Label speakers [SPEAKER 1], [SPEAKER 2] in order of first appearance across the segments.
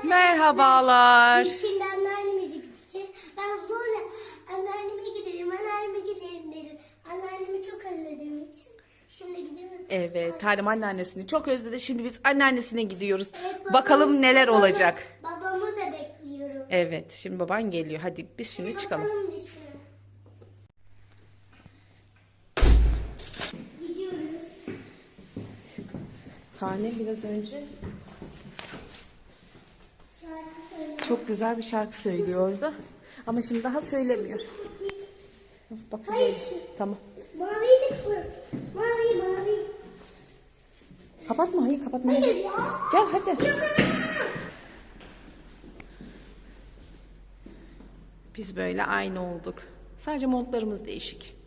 [SPEAKER 1] Merhabalar.
[SPEAKER 2] Biz şimdi anneannemize gideceğiz. Ben zorla anneanneme gidelim dedim. Anneannemi çok özlediğim için. Şimdi gidiyoruz.
[SPEAKER 1] Evet, Tanem anneannesini çok özledi. Şimdi biz anneannesine gidiyoruz.
[SPEAKER 2] Evet,
[SPEAKER 1] Bakalım neler olacak.
[SPEAKER 2] Babamı da bekliyorum.
[SPEAKER 1] Evet, şimdi baban geliyor. Hadi biz şimdi çıkalım.
[SPEAKER 2] Bakalım dışarı. Gidiyoruz.
[SPEAKER 1] Tanem biraz önce
[SPEAKER 2] Şarkı söyle.
[SPEAKER 1] çok güzel bir şarkı söylüyordu. Ama şimdi daha söylemiyor. Bak,
[SPEAKER 2] Hayır.
[SPEAKER 1] tamam.
[SPEAKER 2] Mavi bu. Mavi.
[SPEAKER 1] Kapatma, hayır kapatma.
[SPEAKER 2] Hayır ya.
[SPEAKER 1] Gel hadi. Biz böyle aynı olduk. Sadece montlarımız değişik.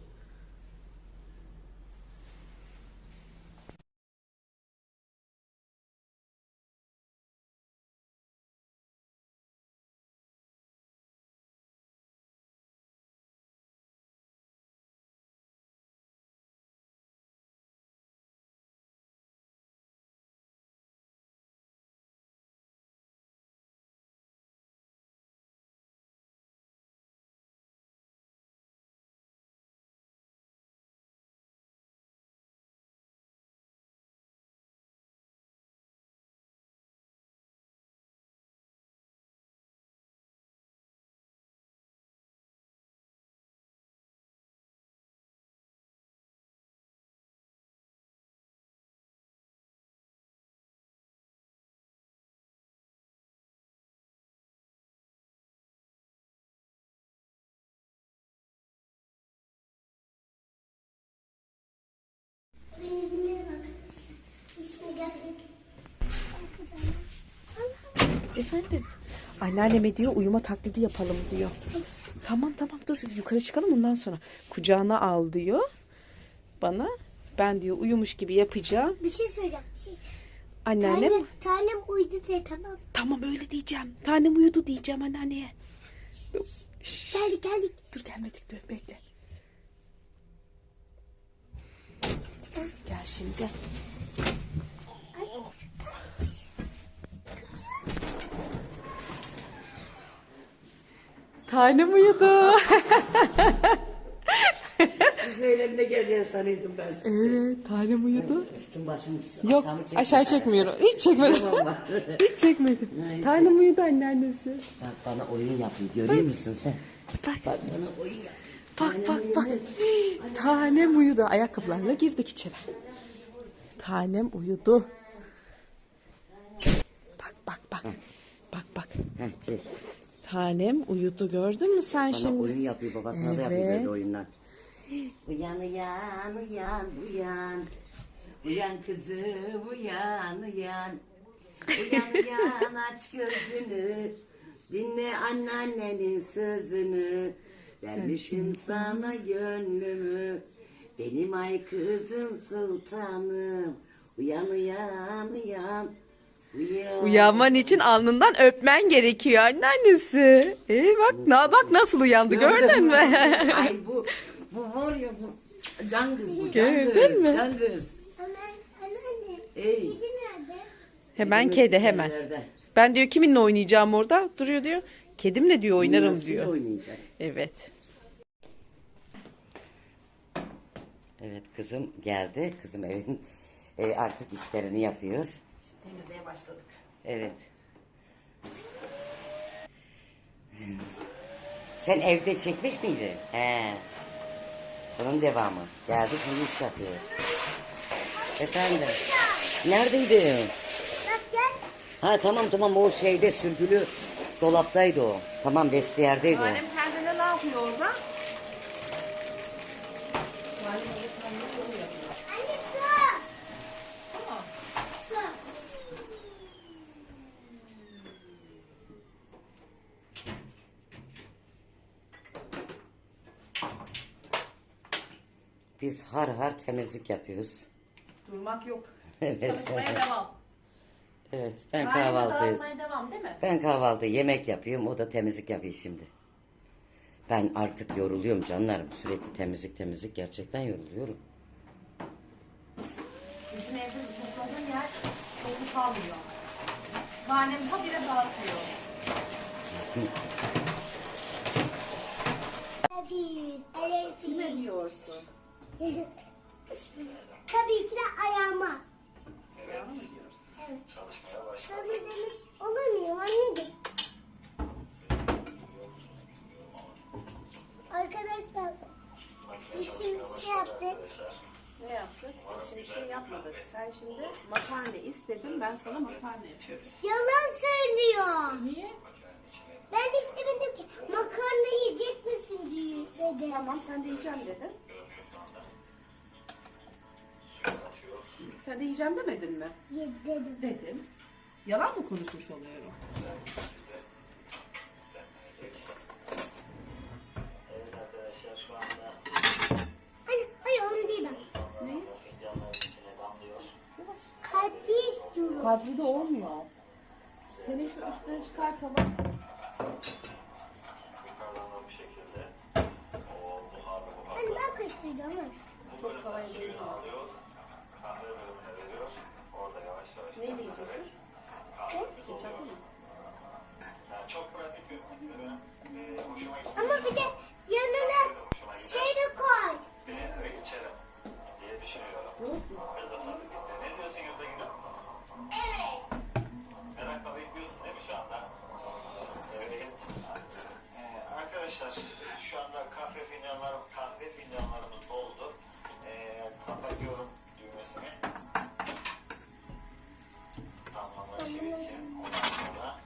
[SPEAKER 2] Benimle bak. İşte geldik.
[SPEAKER 1] Efendim? Anneanneme diyor uyuma taklidi yapalım diyor. Tamam dur yukarı çıkalım ondan sonra. Kucağına al diyor. Bana ben diyor uyumuş gibi yapacağım.
[SPEAKER 2] Bir şey söyleyeceğim. Bir şey.
[SPEAKER 1] Anneannem
[SPEAKER 2] Tanem uyudu de tamam.
[SPEAKER 1] tamam öyle diyeceğim. Tanem uyudu diyeceğim anneanneye.
[SPEAKER 2] Geldik.
[SPEAKER 1] Dur gelmedik dur bekle. Gel şimdi. Tanem uyudu.
[SPEAKER 3] Siz öğlenine geleceğini sanıyordum ben sizi.
[SPEAKER 1] Evet tanem uyudu.
[SPEAKER 3] Üstüm başım
[SPEAKER 1] Yok aşağı çekmiyorum. Hiç çekmedim. Hiç çekmedim. Tanem uyudu anneannesi.
[SPEAKER 3] Bak bana oyun yapıyor. Görüyor musun sen?
[SPEAKER 1] Bak
[SPEAKER 3] Bak bana oyun yap.
[SPEAKER 1] bak. Tanem uyudu. Ayakkabılarla girdik içeri. Tanem uyudu. Bak.
[SPEAKER 3] Heh, çek.
[SPEAKER 1] Tanem uyudu gördün mü sen
[SPEAKER 3] Bana
[SPEAKER 1] şimdi?
[SPEAKER 3] oyun yapıyor. Babasına da
[SPEAKER 1] Evet.
[SPEAKER 3] yapıyor böyle oyunlar. Uyan. Uyan kızım uyan. Uyan aç gözünü. Dinle anneannenin sözünü. Vermişim sana gönlümü. Benim ay kızım sultanım. Uyan.
[SPEAKER 1] Uyanman için alnından öpmen gerekiyor anneannesi. Bak nasıl uyandı gördün mü?
[SPEAKER 3] Ay bu var ya bu. Can kız bu.
[SPEAKER 1] Gördün mü?
[SPEAKER 3] Can kız.
[SPEAKER 2] Anneanne.
[SPEAKER 3] Ey.
[SPEAKER 2] Kedi nerede?
[SPEAKER 1] Hemen kedi hemen.
[SPEAKER 3] Nerede?
[SPEAKER 1] Ben diyor kiminle oynayacağım orada? Duruyor diyor. Kedimle diyor oynarım
[SPEAKER 3] Nasıl
[SPEAKER 1] diyor.
[SPEAKER 3] oynayacak?
[SPEAKER 1] Evet.
[SPEAKER 3] Evet kızım geldi. Kızım evin artık işlerini yapıyor.
[SPEAKER 1] Temizliğe başladık.
[SPEAKER 3] Evet. Sen evde çekmiş miydin? He. Bunun devamı. Geldi şimdi iş yapıyor. Efendim. Neredeydin?
[SPEAKER 2] Bak gel.
[SPEAKER 3] Ha tamam o şeyde sürgülü dolaptaydı o. Tamam vestiyerdeydi o.
[SPEAKER 1] Annem kendine ne yapıyor orada?
[SPEAKER 2] Anne su. Su.
[SPEAKER 3] Biz har temizlik yapıyoruz.
[SPEAKER 1] Durmak yok.
[SPEAKER 3] Evet.
[SPEAKER 1] Çalışmaya devam.
[SPEAKER 3] Evet ben
[SPEAKER 1] Ailede
[SPEAKER 3] kahvaltı
[SPEAKER 1] dağıtmaya devam değil mi?
[SPEAKER 3] ben kahvaltı yemek yapıyorum o da temizlik yapıyor şimdi. Ben artık yoruluyorum canlarım sürekli temizlik gerçekten yoruluyorum.
[SPEAKER 1] Bizim evde topladığım yer toplu kalmıyor. Tanem habire dağıtıyor. Kime diyorsun?
[SPEAKER 2] Tabii ki de ayağıma.
[SPEAKER 1] Ayağına mı diyorsun?
[SPEAKER 2] Evet. Sana demiş olur muyum anneciğim? Arkadaşlar biz şimdi şey yaptık.
[SPEAKER 1] Ne yaptık? Biz şimdi şey yapmadık. Sen şimdi makarna istedin, ben sana makarna yapıyorum.
[SPEAKER 2] Yalan söylüyor.
[SPEAKER 1] Niye?
[SPEAKER 2] Ben istemedim ki makarna yiyecek misin diye dedi.
[SPEAKER 1] Tamam, sen de yiyeceğim dedin. Sen de yiyeceğim demedin mi?
[SPEAKER 2] Dedim.
[SPEAKER 1] Dedim. Yalan mı konuşmuş oluyorum?
[SPEAKER 4] Evet arkadaşlar şu anda
[SPEAKER 2] Hayır, hayır onu değil ben.
[SPEAKER 1] Ne?
[SPEAKER 4] fincanların içine damlıyor.
[SPEAKER 2] Kalpli istiyorum.
[SPEAKER 1] Kalpli de olmuyor. Senin şu üstüne çıkartalım.
[SPEAKER 4] Yukarıdan da bu şekilde o buharlı buharlı
[SPEAKER 2] Hani ben karıştıracağım. Evet.
[SPEAKER 1] Çok kolay değil.
[SPEAKER 4] alıyor. Kahve bölümüne veriyor. Orada yavaş yavaş
[SPEAKER 1] Neyle yiyeceksin? Ketçaplı mı?
[SPEAKER 4] Yani çok pratik bir benim hoşuma gitti.
[SPEAKER 2] Ama bir de yanına şey de koy.
[SPEAKER 4] Beğenerek içerim diye düşünüyorum. Kızımla birlikte. Ne diyorsun Yurda Gülüm?
[SPEAKER 2] Evet.
[SPEAKER 4] Merakla bekliyorsun değil mi şu anda? Evet. Arkadaşlar şu anda kahve fincanlarımız doldu. Kapatıyorum düğmesini. Tamamlaşı için. Ondan sonra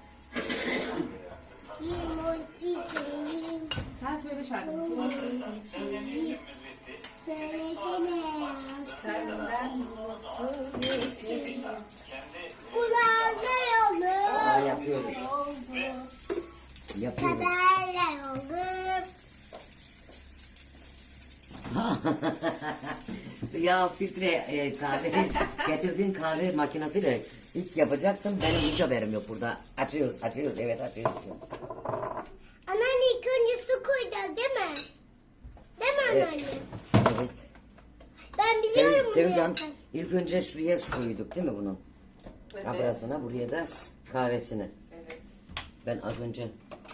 [SPEAKER 2] Limon çiçeğim.
[SPEAKER 1] Sen söyle şarkını.
[SPEAKER 4] deneyimimiz bitti.
[SPEAKER 2] Söylesene.
[SPEAKER 1] Senden nasıl geçeyim?
[SPEAKER 4] Kendi
[SPEAKER 2] Kulağına
[SPEAKER 3] Aa,
[SPEAKER 2] yolum.
[SPEAKER 3] yapıyoruz. Yapıyoruz.
[SPEAKER 2] Kaderle yolum.
[SPEAKER 3] Ya Fikri kahve getirdiğin kahve makinesiyle ilk yapacaktım. Benim hiç haberim yok burada. Açıyoruz, evet açıyoruz.
[SPEAKER 2] Anneanne ilk önce su koyacağız değil mi? Değil mi anneanne?
[SPEAKER 3] Evet.
[SPEAKER 2] Ben biliyorum bunu
[SPEAKER 3] Sevincan
[SPEAKER 2] zaten.
[SPEAKER 3] ilk önce şuraya su koyduk değil mi bunun?
[SPEAKER 1] Evet.
[SPEAKER 3] Abrasına, buraya da kahvesini.
[SPEAKER 1] Evet.
[SPEAKER 3] Ben az önce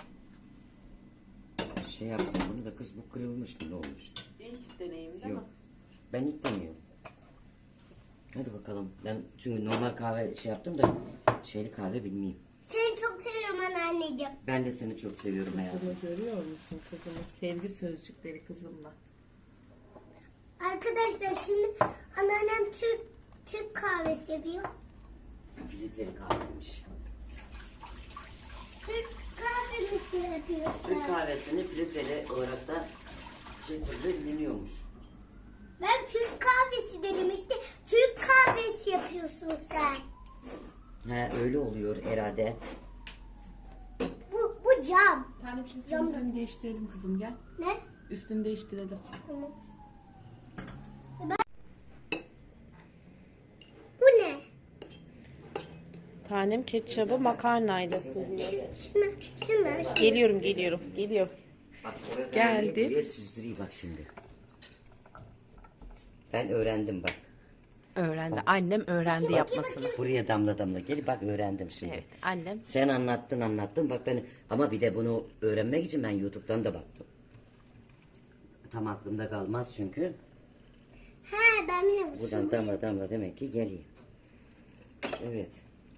[SPEAKER 3] şey yaptım bunu da kız bu kırılmış mı ne olmuş?
[SPEAKER 1] İlk deneyim değil
[SPEAKER 3] Yok.
[SPEAKER 1] mi?
[SPEAKER 3] Ben ilk demiyorum. Hadi bakalım. Ben çünkü normal kahve şey yaptım da şeyli kahve bilmeyeyim.
[SPEAKER 2] Seni çok seviyorum anneanneciğim.
[SPEAKER 3] Ben de seni çok seviyorum hayatım.
[SPEAKER 1] Kızımı görüyor musun kızımı? Sevgi sözcükleri kızımla.
[SPEAKER 2] Arkadaşlar şimdi anneannem Türk kahvesi yapıyor.
[SPEAKER 3] Filtreli kahveymiş.
[SPEAKER 2] Türk kahvesi yapıyor.
[SPEAKER 3] Türk kahvesini filtreli olarak da şekilde dinleniyormuş.
[SPEAKER 2] Ben Türk kahvesi dedim işte. Türk kahvesi yapıyorsun sen.
[SPEAKER 3] He öyle oluyor herhalde.
[SPEAKER 2] Bu cam.
[SPEAKER 1] Tanem şimdi senin üstünü değiştirelim kızım gel.
[SPEAKER 2] Ne?
[SPEAKER 1] Üstünü değiştirelim.
[SPEAKER 2] Tamam. Bu ne?
[SPEAKER 1] Tanem ketçabı makarnayla seviyor.
[SPEAKER 2] Şunu.
[SPEAKER 1] Geliyorum.
[SPEAKER 3] Bak oraya
[SPEAKER 1] Geldi.
[SPEAKER 3] Buraya süzdüreyim bak şimdi. Ben öğrendim bak.
[SPEAKER 1] Öğrendi. Annem öğrendi yapmasını.
[SPEAKER 3] Buraya damla damla gel bak öğrendim şimdi.
[SPEAKER 1] Evet annem.
[SPEAKER 3] Sen anlattın bak ben ama bir de bunu öğrenmek için ben YouTube'dan da baktım. Tam aklımda kalmaz çünkü.
[SPEAKER 2] He ben biliyorum.
[SPEAKER 3] Buradan damla demek ki geliyor. Evet.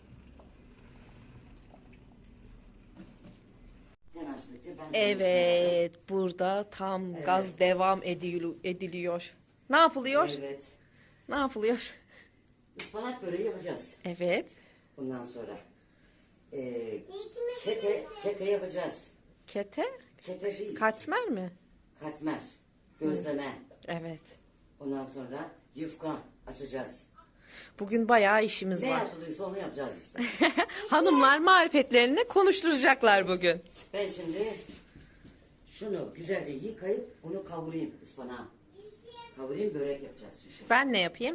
[SPEAKER 3] Sen açtıkça ben...
[SPEAKER 1] Evet burada tam gaz devam ediliyor. Ne yapılıyor?
[SPEAKER 3] Evet.
[SPEAKER 1] Ne yapılıyor?
[SPEAKER 3] Ispanak böreği yapacağız.
[SPEAKER 1] Evet.
[SPEAKER 3] Bundan sonra.
[SPEAKER 2] İkimiz
[SPEAKER 3] Kete yapacağız.
[SPEAKER 1] Kete?
[SPEAKER 3] Kete değil.
[SPEAKER 1] Katmer mi?
[SPEAKER 3] Katmer. Gözleme.
[SPEAKER 1] Evet.
[SPEAKER 3] Ondan sonra yufka açacağız.
[SPEAKER 1] Bugün bayağı işimiz
[SPEAKER 3] Ne
[SPEAKER 1] var.
[SPEAKER 3] yapılıyorsa onu yapacağız işte.
[SPEAKER 1] Hanımlar marifetlerini konuşturacaklar bugün.
[SPEAKER 3] Ben şimdi şunu güzelce yıkayıp bunu kavurayım ıspanağı. Kavurayım börek yapacağız çünkü.
[SPEAKER 1] Ben ne yapayım?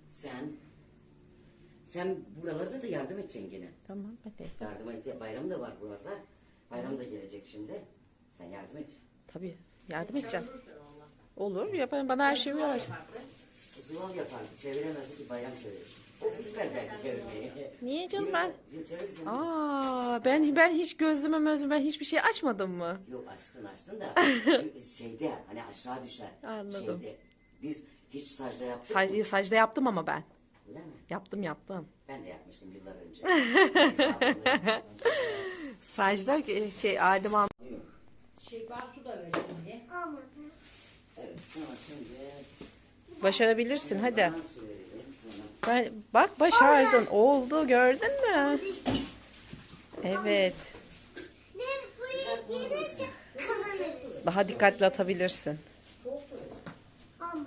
[SPEAKER 3] Sen buralarda da yardım edeceksin gene.
[SPEAKER 1] Tamam hadi.
[SPEAKER 3] Yardıma bayram da var buralarda. Bayram da gelecek şimdi. Sen yardım et.
[SPEAKER 1] Tabii yardım edeceğim. Olur yaparım bana her şeyi uyar.
[SPEAKER 3] Zıval yapardı. Çeviremezdi ki bayram çevirir. O bitmez belki çevirmeyi.
[SPEAKER 1] Niye canım ben?
[SPEAKER 3] Çevirirsin.
[SPEAKER 1] Ben hiç gözleme ben hiçbir şey açmadım mı?
[SPEAKER 3] Yok açtın da şeyde hani aşağı düşer.
[SPEAKER 1] Anladım.
[SPEAKER 3] Şeyde, biz hiç sacda yaptık mı?
[SPEAKER 1] Secde yaptım ama ben.
[SPEAKER 3] Öyle mi?
[SPEAKER 1] Yaptım.
[SPEAKER 3] Ben de yapmıştım yıllar önce.
[SPEAKER 1] Secde Adem abi.
[SPEAKER 5] Bartu da öyle şimdi.
[SPEAKER 2] Olmadı.
[SPEAKER 3] Evet sonra şimdi
[SPEAKER 1] Başarabilirsin hadi.
[SPEAKER 3] ben söyledim sonra.
[SPEAKER 1] Bak başardın. Oldu gördün mü? Evet.
[SPEAKER 2] Ne bu gelirse kazanırız.
[SPEAKER 1] Daha dikkatli atabilirsin.
[SPEAKER 2] Olmadı.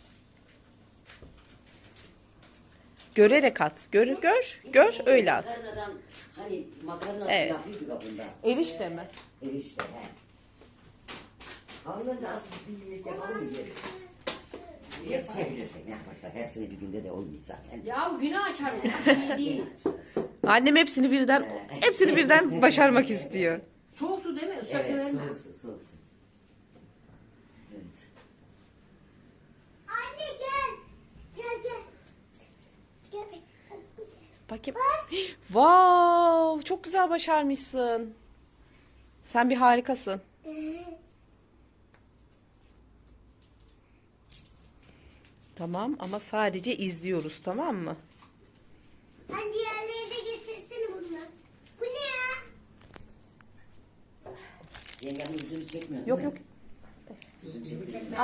[SPEAKER 1] Görerek at. Gör öyle at.
[SPEAKER 3] Makarnadan hani makarna
[SPEAKER 1] Evet.
[SPEAKER 3] yapıyorduk kapında.
[SPEAKER 1] Erişte mi?
[SPEAKER 3] Erişte he. Havludan da az bir yemek yapalım mı diye. Yetişebilirsek ne yaparsak hepsini bir günde de olmuyor zaten.
[SPEAKER 5] Ya günü açar bu. Şey değil.
[SPEAKER 1] Annem hepsini birden başarmak istiyor.
[SPEAKER 5] Soğuk su değil mi? Islak
[SPEAKER 3] Evet
[SPEAKER 5] verme.
[SPEAKER 3] soğuksun. Evet.
[SPEAKER 2] Anne gel. Gel. Gel.
[SPEAKER 1] Bakayım. Wow, çok güzel başarmışsın. Sen bir harikasın. Tamam ama sadece izliyoruz, tamam mı?
[SPEAKER 2] Ben diğerleri de getirsene bunu. Bu ne ya?
[SPEAKER 3] Yengemin yüzünü çekmiyor
[SPEAKER 1] Yok
[SPEAKER 3] değil
[SPEAKER 1] yok.
[SPEAKER 3] mi? Yüzünü çekmiyor.
[SPEAKER 5] Çekme.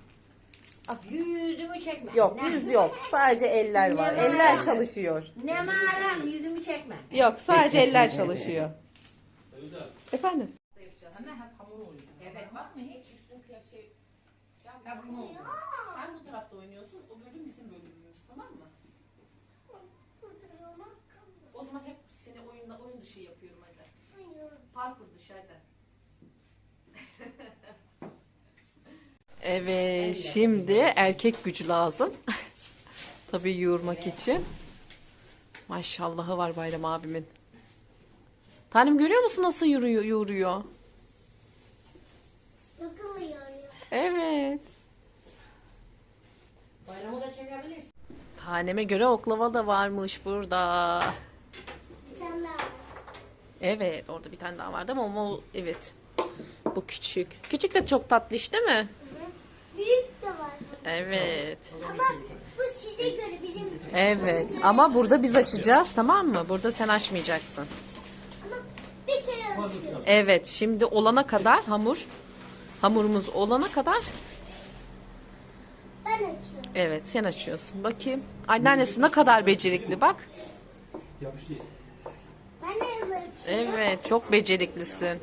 [SPEAKER 5] Yüzümü çekme.
[SPEAKER 1] Yok,
[SPEAKER 5] Ne-
[SPEAKER 1] yüz yok. Sadece eller var. Eller çalışıyor.
[SPEAKER 5] Ne maram yüzümü çekme.
[SPEAKER 1] Yok, sadece eller çalışıyor. Efendim?
[SPEAKER 5] Ama hep hamur oluyor. Evet bak mı hiç üstün şey. Hep hamur oluyor.
[SPEAKER 1] Sen bu tarafta oynuyorsun, o bölüm bizim bölümümüz, tamam mı? O zaman hep seni oyun dışı yapıyorum hadi. Parkur dışı hadi. Evet, şimdi erkek gücü lazım. Tabii yoğurmak için. Maşallahı var Bayram abimin. Tanem görüyor musun nasıl yoğuruyor?
[SPEAKER 2] Bakılmıyor.
[SPEAKER 1] Evet.
[SPEAKER 5] Bayramı da çekebilirsin.
[SPEAKER 1] Taneme göre oklava da varmış burada.
[SPEAKER 2] Bir tane daha.
[SPEAKER 1] Evet, orada bir tane daha vardı ama evet. Bu küçük. Küçük de çok tatlış değil mi?
[SPEAKER 2] Büyük de var.
[SPEAKER 1] Evet.
[SPEAKER 2] Ama bu size göre bizim.
[SPEAKER 1] Evet. Ama burada biz açacağız, tamam mı? Burada sen açmayacaksın.
[SPEAKER 2] Ama bir kere açıyor.
[SPEAKER 1] Evet. Şimdi olana kadar hamurumuz olana kadar
[SPEAKER 2] Ben açıyorum.
[SPEAKER 1] evet sen açıyorsun. Bakayım. Anneannesi ne kadar becerikli bak.
[SPEAKER 2] Ben de hızlı açıyorum.
[SPEAKER 1] Evet, çok beceriklisin.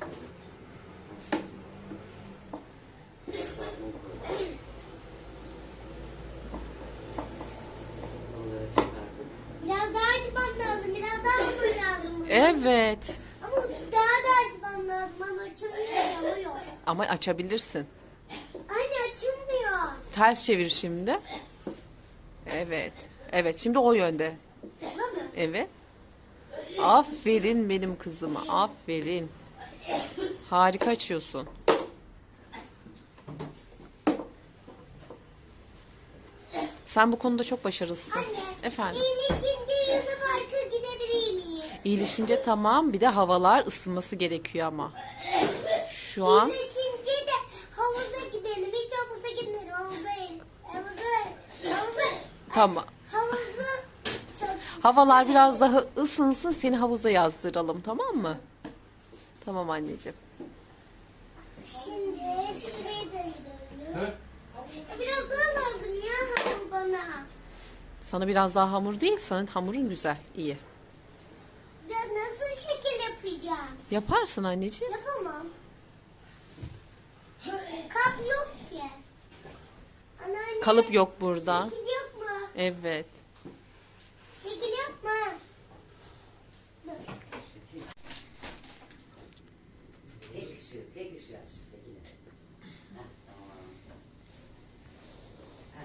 [SPEAKER 2] Biraz daha açmam lazım. Biraz daha açmam lazım.
[SPEAKER 1] Evet.
[SPEAKER 2] Ama daha da açmam lazım. Ama açılmıyor. Yanıyor.
[SPEAKER 1] Ama açabilirsin.
[SPEAKER 2] Anne açılmıyor.
[SPEAKER 1] Ters çevir şimdi. Evet. Evet, şimdi o yönde.
[SPEAKER 2] Baba.
[SPEAKER 1] Evet. Aferin benim kızıma. Aferin. Harika açıyorsun. Sen bu konuda çok başarılısın.
[SPEAKER 2] Anne.
[SPEAKER 1] Efendim.
[SPEAKER 2] İyileşince Yunus Park'a gidebilir miyim?
[SPEAKER 1] İyileşince tamam. Bir de havalar ısınması gerekiyor ama. Şu an
[SPEAKER 2] İyileşince de havuza gidelim. Hiç havuza gitmedim. Havuza.
[SPEAKER 1] tamam.
[SPEAKER 2] Havuzu çok.
[SPEAKER 1] Havalar biraz daha ısınsın. Seni havuza yazdıralım, tamam mı? Tamam anneciğim.
[SPEAKER 2] Şimdi şuraya da gidelim. Biraz daha lazım ya hamur bana.
[SPEAKER 1] Sana biraz daha hamur değil. Senin hamurun güzel. İyi.
[SPEAKER 2] Ya nasıl şekil yapacağım?
[SPEAKER 1] Yaparsın anneciğim.
[SPEAKER 2] Yapamam. Kap yok ki. Anneanne.
[SPEAKER 1] Kalıp yok burada.
[SPEAKER 2] Şekil yok mu?
[SPEAKER 1] Evet.
[SPEAKER 2] Şekil yok mu? Dur.
[SPEAKER 3] Tek ışığı aç. Tekine. Heh, tamam. Heh.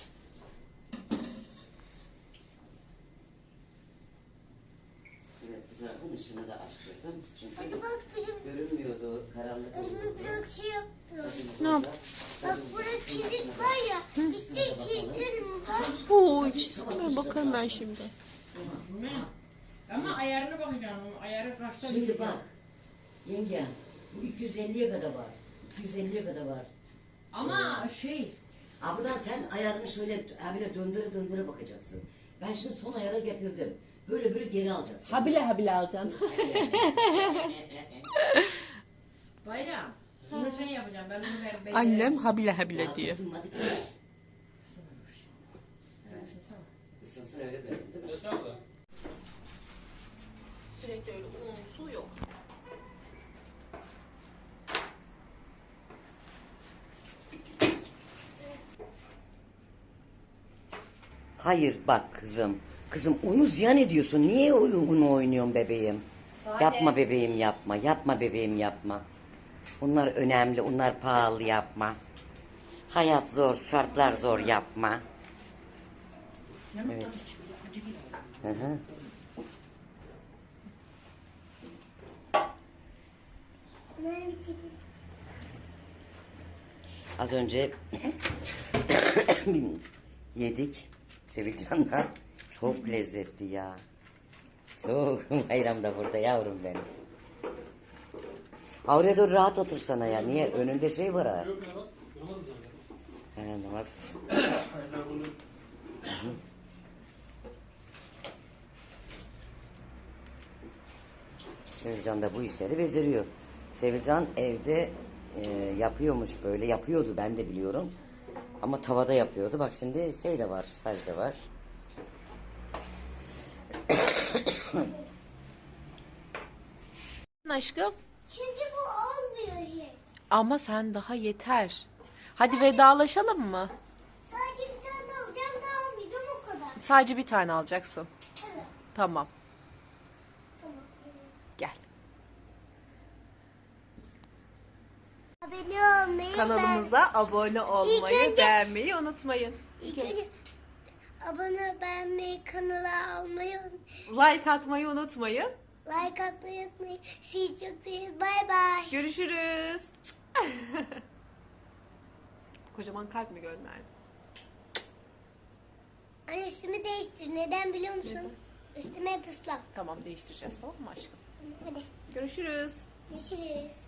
[SPEAKER 3] Evet, Zarfın ışığını da açtırdım. Çünkü
[SPEAKER 2] Hadi bak benim
[SPEAKER 3] görünmüyordu, karanlık
[SPEAKER 2] önüme
[SPEAKER 3] oldu.
[SPEAKER 2] biraz şey yapıyor.
[SPEAKER 1] Ne yap?
[SPEAKER 2] Bak burada çizik var ya. İşte çizgilerim var.
[SPEAKER 1] Oo, çizime bakalım ben şimdi.
[SPEAKER 5] Ne? Ama ayarına bakacağım. Ayarı kaçta
[SPEAKER 3] Şimdi
[SPEAKER 5] düşecek?
[SPEAKER 3] bak, yenge, bu 250'ye kadar var. 250'ye kadar var.
[SPEAKER 5] Ama şey,
[SPEAKER 3] Buradan sen ayarını şöyle böyle döndüre bakacaksın. Ben şimdi son ayara getirdim. Böyle geri alacaksın.
[SPEAKER 1] Habile alacaksın.
[SPEAKER 5] Bayram. Bunu sen yapacaksın. Ben bunu ver.
[SPEAKER 1] Annem habile
[SPEAKER 3] Daha
[SPEAKER 1] diyor.
[SPEAKER 3] ısınmadı ki. Isınsın öyle verin değil mi?
[SPEAKER 1] Sürekli öyle un, su yok.
[SPEAKER 3] Hayır bak kızım. Kızım unu ziyan ediyorsun. Niye unu oynuyorsun bebeğim? Yapma bebeğim yapma. Yapma bebeğim yapma. Bunlar önemli. Bunlar pahalı yapma. Hayat zor. Şartlar zor yapma. Evet. Hı hı.
[SPEAKER 2] Bunlar bir çizik.
[SPEAKER 3] Az önce yedik Sevilcan'la. Çok lezzetli ya. Çok. Bayram da burada yavrum benim. Oraya dur rahat otursana ya. Niye? Önünde şey var ha. Namaz. Sevilcan da bu işleri beceriyor. Sevilcan evde yapıyormuş böyle. Yapıyordu ben de biliyorum. Ama tavada yapıyordu. Bak şimdi şey de var. Saç da var.
[SPEAKER 1] Aşkım.
[SPEAKER 2] Çünkü bu olmuyor hiç.
[SPEAKER 1] Ama sen daha yeter. Hadi vedalaşalım mı?
[SPEAKER 2] Sadece bir tane alacağım daha almayacağım o kadar.
[SPEAKER 1] Sadece bir tane alacaksın.
[SPEAKER 2] Evet.
[SPEAKER 1] Tamam.
[SPEAKER 2] Tamam.
[SPEAKER 1] Gel.
[SPEAKER 2] Abone olmayı
[SPEAKER 1] Kanalımıza abone olmayı,
[SPEAKER 2] İlk önce-
[SPEAKER 1] beğenmeyi unutmayın.
[SPEAKER 2] İlk önce abone beğenmeyi, kanala almayı,
[SPEAKER 1] Like atmayı unutmayın.
[SPEAKER 2] like atmayı unutmayın. Sizi çok seviyoruz. Bay bay.
[SPEAKER 1] Görüşürüz. Kocaman kalp mi gönderdi?
[SPEAKER 2] Anne üstümü değiştir. Neden biliyor musun? Üstüme hep ıslak.
[SPEAKER 1] Tamam değiştireceğiz tamam mı aşkım?
[SPEAKER 2] Hadi
[SPEAKER 1] Görüşürüz.
[SPEAKER 2] görüşürüz.